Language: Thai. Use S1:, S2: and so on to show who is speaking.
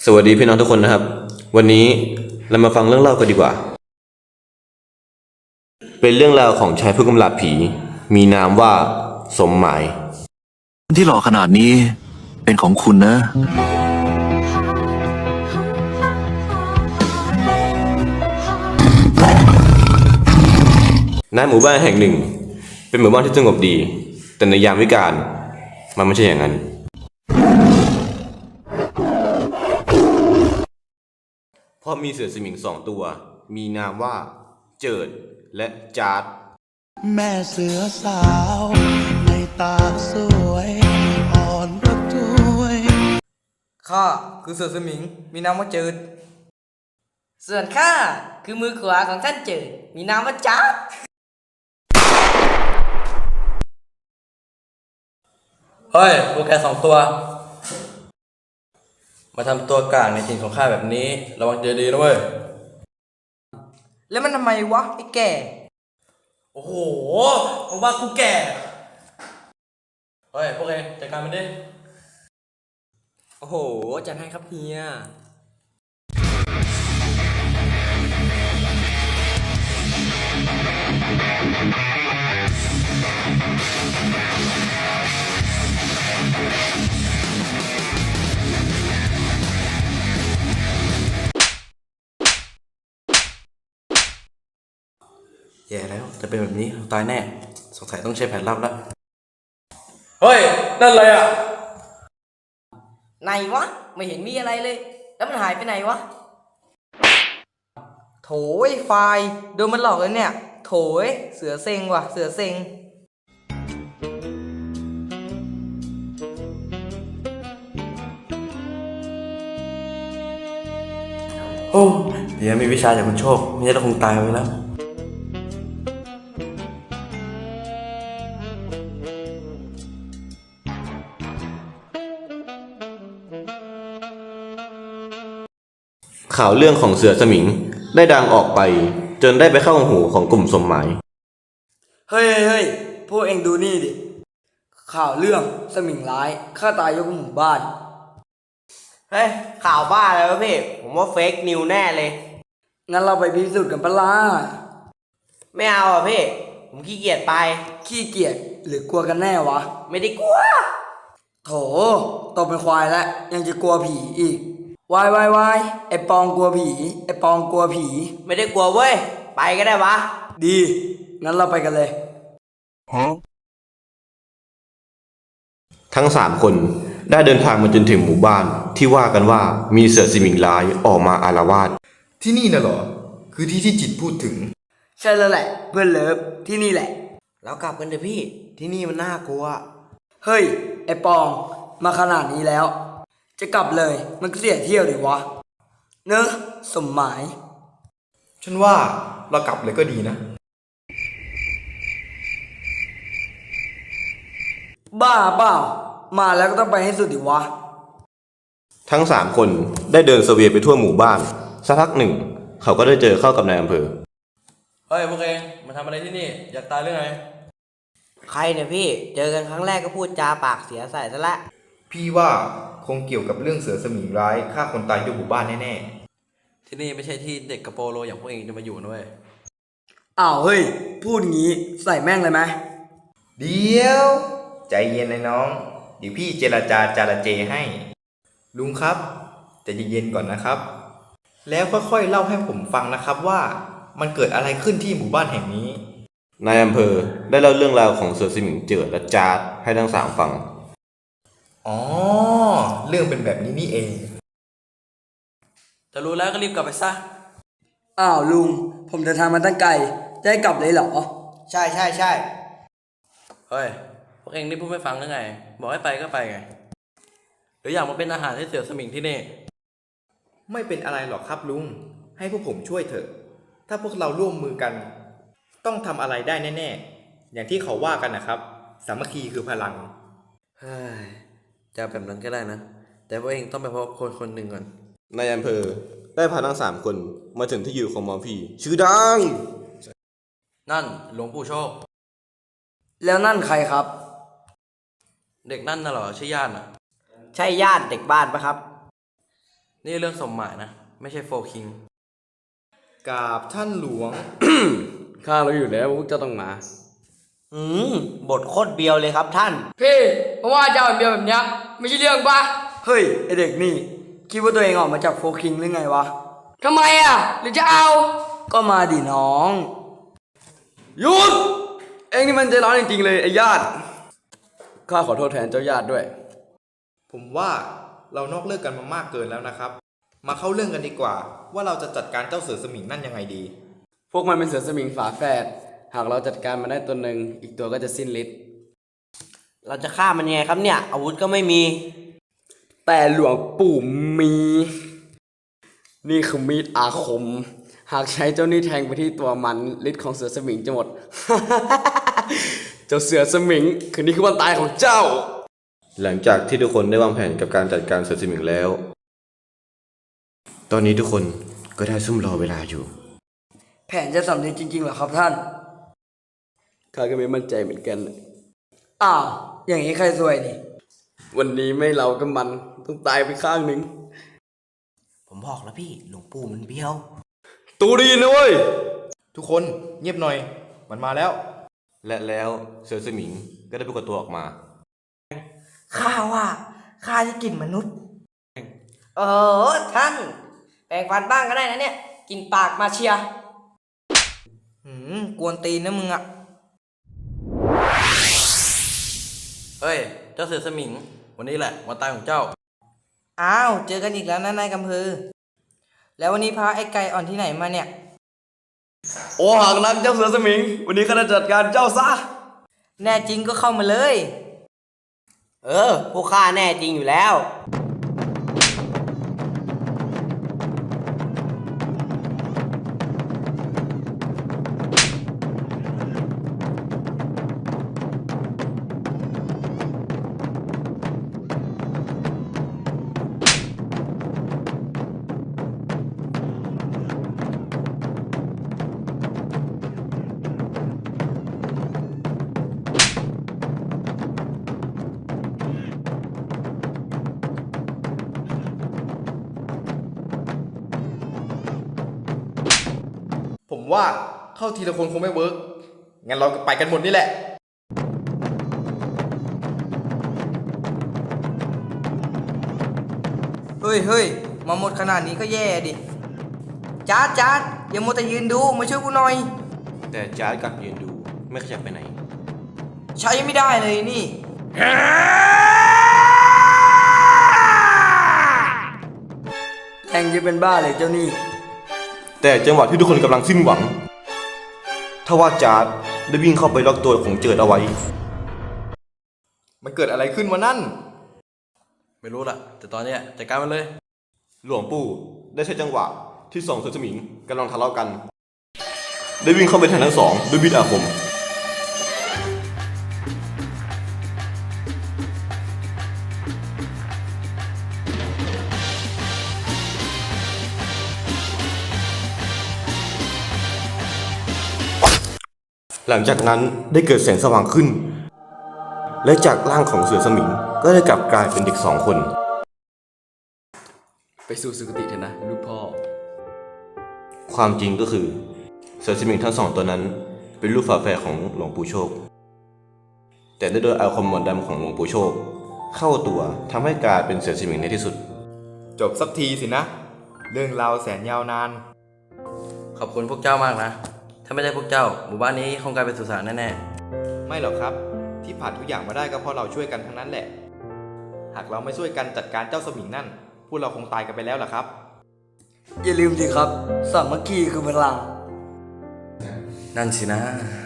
S1: สวัสดีพี่น้องทุกคนนะครับวันนี้เรามาฟังเรื่องเล่ากันดีกว่าเป็นเรื่องราวของชายผู้กำราบผีมีนามว่าสมหมาย
S2: ที่หล่อขนาดนี้เป็นของคุณนะ
S1: ณหมู่บ้านแห่งหนึ่งเป็นหมู่บ้านที่สงบดีแต่ในยามวิกาลมันไม่ใช่อย่างนั้นเพราะมีเสือสมิง2 ตัวมีนามว่าเจิดและจาร์ด
S3: แม่เสือสาวในตาสวยอ่อนระทวย
S4: ข้าคือเสือสมิงมีนามว่าเจิดส่วนข้าคือมือขวาของท่านเจิดมีนามว่าจ๊าดเฮ้ยพวกแก2 ตัวมาทำตัวกลางในถิ่นของข้าแบบนี้ระวังเจอดีนะเว้ยแล้วมันทำไมวะไอ้แก่โอ้โหมึงว่ากูแก่เฮ้ยพวกเองจัดการมันดิโอ้โหจัดให้ครับเฮียแย่แล้วจะเป็นแบบนี้ตายแน่สงสัยต้องใช้แผนลับแล้วเฮ้ยนั่นอะไรอ่ะไหนวะไม่เห็นมีอะไรเลยแล้วมันหายไปไหนวะโถยไฟโดนมันหลอกเลยเนี่ยโถยเสือเซ็งว่ะเสือเซ็งโอ้เดี๋ยวมีวิชาจากคุณโชคไม่งั้นเราคงตายไปแล้ว
S1: ข่าวเรื่องของเสือสมิงได้ดังออกไปจนได้ไปเข้าหูของกลุ่มสมหมาย
S4: เฮ้ยพวกเองดูนี่ดิข่าวเรื่องสมิงร้ายฆ่าตายยกหมู่บ้านเฮ้ยข่าวบ้าแล้วพี่ผมว่าเฟกนิวแน่เลยงั้นเราไปพิสูจน์กันปะล่ะไม่เอาอ่ะพี่ผมขี้เกียจไปขี้เกียจหรือกลัวกันแน่วะไม่ได้กลัวโถโตเป็นควายแล้วยังจะกลัวผีอีกวายไอปองกลัวผีไอปองกลัวผีไม่ได้กลัวเว้ยไปก็ได้วะดีงั้นเราไปกันเลย
S1: ทั้ง3 คนได้เดินทางมาจนถึงหมู่บ้านที่ว่ากันว่ามีเสือสมิงร้ายออกมาอาละวาด
S5: ที่นี่น่ะเหรอคือที่ที่จิตพูดถึง
S4: ใช่แล้วแหละเพื่อนเลิฟที่นี่แหละแล้วกลับกันเถอะพี่ที่นี่มันน่ากลัวเฮ้ยไอปองมาขนาดนี้แล้วจะกลับเลยมันก็เสียเที่ยวดิวะเนอะสมหมาย
S5: ฉันว่าเรากลับเลยก็ดีนะ
S4: บ้าเปล่ามาแล้วก็ต้องไปให้สุดดิวะ
S1: ทั้ง3 คนได้เดินเสวียนไปทั่วหมู่บ้านสักพักหนึ่งเขาก็ได้เจอเข้ากับนายอำเภอ
S4: เฮ้ยพวกเองมาทำอะไรที่นี่อยากตายหรือไงใครเนี่ยพี่เจอกันครั้งแรกก็พูดจาปากเสียใส่ซะละ
S5: พี่ว่าคงเกี่ยวกับเรื่องเสือสมิงร้ายฆ่าคนตายยกหมู่บ้านแน่
S4: ๆที่นี่ไม่ใช่ที่เด็กกระโปโลอย่างพวกเองจะมาอยู่นะเว้ยอ้าวเฮ้ยพูดงี้ใส่แม่งเลยไหม
S5: เดี๋ยวใจเย็นเลยน้องเดี๋ยวพี่เจรจาระเจให้ลุงครับใจเย็นๆก่อนนะครับแล้วค่อยๆเล่าให้ผมฟังนะครับว่ามันเกิดอะไรขึ้นที่หมู่บ้านแห่งนี้
S1: นายอำเภอได้เล่าเรื่องราวของเสือสมิงเจิดและจาร์ดให้ทั้ง3ฟัง
S5: อ๋อเรื่องเป็นแบบนี้นี่เอง
S4: จะรู้แล้วก็รีบกลับไปซะอ้าวลุงผมเดินทางมาตั้งไกลจะให้กลับเลยเหรอใช่เฮ้ยพวกเองนี่พูดไม่ฟังหรือไงบอกให้ไปก็ไปไงหรืออยากมาเป็นอาหารให้เสือสมิงที่นี่
S5: ไม่เป็นอะไรหรอกครับลุงให้พวกผมช่วยเถอะถ้าพวกเราร่วมมือกันต้องทำอะไรได้แน่ๆอย่างที่เขาว่ากันนะครับสามัคคีคือพลัง
S4: เฮ้ยจะแบบนั้นก็ได้นะแต่พวกเองต้องไปพบคนหนึ่งก่อน
S1: นายอำเภอได้พาทั้ง3 คนมาถึงที่อยู่ของหมอผีชื่อดัง
S4: นั่นหลวงปู่โชคแล้วนั่นใครครับเด็กนั่นน่ะเหรอใช่ญาติน่ะใช่ญาติเด็กบ้านปะครับ
S6: นี่เรื่องสมหมายนะ ไม่ใช่โฟคิง
S5: กราบท่านหลวง
S7: ข้ารู้อยู่แล้วว่าพวกเจ้าต้องมา
S4: บทโคตรเบียวเลยครับท่าน
S8: พี่เพราะว่าเจ้าเดียวแบบเนี้ยไม่ใช่เรื่องปะ
S4: เฮ้ย ไอเด็กนี่ คิดว่าตัวเองออกมาจากโฟคิงหรือไงวะ
S8: ทำไมอ่ะหรือจะเอา
S4: ก็มาดิน้อง
S7: หยุด เอ็งนี่มันใจร้อนจริงๆเลยไอ้ญาติ ข้าขอโทษแทนเจ้าญาติด้วย
S5: ผมว่าเรานอกเรื่องกันมามากเกินแล้วนะครับ มาเข้าเรื่องกันดีกว่า ว่าเราจะจัดการเจ้าเสือสมิงนั่นยังไงดี
S7: พวกมันเป็นเสือสมิงฝาแฝด หากเราจัดการมันได้ตัวหนึ่ง อีกตัวก็จะสิ้นฤทธิ์
S4: เราจะฆ่ามันยังไงครับเนี่ย อาวุธก็ไม่มี
S7: แต่หลวงปู่มี นี่คือมีดอาคม หากใช้เจ้านี่แทงไปที่ตัวมันฤทธิ์ของเสือสมิงจะหมด เจ้าเสือสมิง คืนนี้คือวันตายของเจ้า
S1: หลังจากที่ทุกคนได้วางแผนกับการจัดการเสือสมิงแล้ว ตอนนี้ทุกคนก็ได้ซุ่มรอเวลาอยู่
S4: แผนจะสำเร็จจริงๆเหรอครับท่าน
S7: ข้าก็ไม่มั่นใจเหมือนกัน
S4: อ้าว อย่างนี้ใครซวยนี่
S7: วันนี้ไม่เราก็มันต้องตายไปข้างหนึ่ง
S4: ผมบอกแล้วพี่ หลวงปู่มันเบี้ยว
S7: ตูดีนะเว้ย
S5: ทุกคนเงียบหน่อย มันมาแล้ว
S1: และแล้วเสือสมิงก็ได้ปรากฏตัวออกมา
S4: ข้าว่าข้าจะกินมนุษย์ ท่าน แปลงฟันบ้างก็ได้นะเนี่ย กินปากมาเชียกวนตีนนะมึงอะ
S6: เฮ้ย เจ้าเสือสมิง วันนี้แหละวันตายของเจ้า
S4: อ้าว เจอกันอีกแล้วนะนายกำพือ แล้ววันนี้พาไอ้ไก่อ่อนที่ไหนมาเนี่ย
S7: โอ้หากนักเจ้าเสือสมิง วันนี้ข้าจะจัดการเจ้าซะ
S4: แน่จริงก็เข้ามาเลย พวกข้าแน่จริงอยู่แล้ว
S5: ผมว่าเข้าทีละคนคงไม่เวิร์กงั้นเราก็ไปกันหมดนี่แหละ
S4: เฮ้ย มาหมดขนาดนี้ก็แย่ดิจ๊าดอย่ามัวแต่ยืนดู มาช่วยกูหน่อย
S1: แต่จาร์ดกลับยืนดูไม่ขยับไปไหน
S4: ใช้ไม่ได้เลยนี่ แทงจะเป็นบ้าเลยเจ้านี่
S1: แต่จังหวะที่ทุกคนกำลังสิ้นหวังทว่าจาร์ดได้วิ่งเข้าไปล็อกตัวของเจิดเอาไว้
S5: มันเกิดอะไรขึ้นวะนั่น
S6: ไม่รู้ล่ะ แต่ตอนเนี้ยจัดการมันเลย
S1: หลวงปู่ได้ใช้จังหวะที่สองเสือสมิงกำลังทะเลาะกัน ได้วิ่งเข้าไปแทนทั้งสองด้วยมีดอาคม หลังจากนั้นได้เกิดแสงสว่างขึ้น และจากร่างของเสือสมิงก็ได้กลับกลายเป็นเด็กสองคน
S7: ไปสู่สุคติเถอะนะลูกพ่อ
S1: ความจริงก็คือเสือสมิงทั้งสองตัวนั้นเป็นลูกฝาแฝดของหลวงปู่โชค แต่ได้โดนอาคมมนต์ดำของหลวงปู่โชค เข้าตัวทำให้กลายเป็นเสือสมิงในที่สุด
S5: จบสักทีสินะ เรื่องราวแสนยาวนาน
S6: ขอบคุณพวกเจ้ามากนะ ถ้าไม่ได้พวกเจ้า หมู่บ้านนี้คงกลายเป็นสุสานแน่
S5: ไม่หรอกครับ ที่ผ่านทุกอย่างมาได้ก็เพราะเราช่วยกันทั้งนั้นแหละ หากเราไม่ช่วยกันจัดการเจ้าสมิงนั่น พวกเราคงตายกันไปแล้วล่ะครับ
S4: อย่าลืมสิครับ สามัคคีคือพลัง
S6: ๆ นั่นสินะ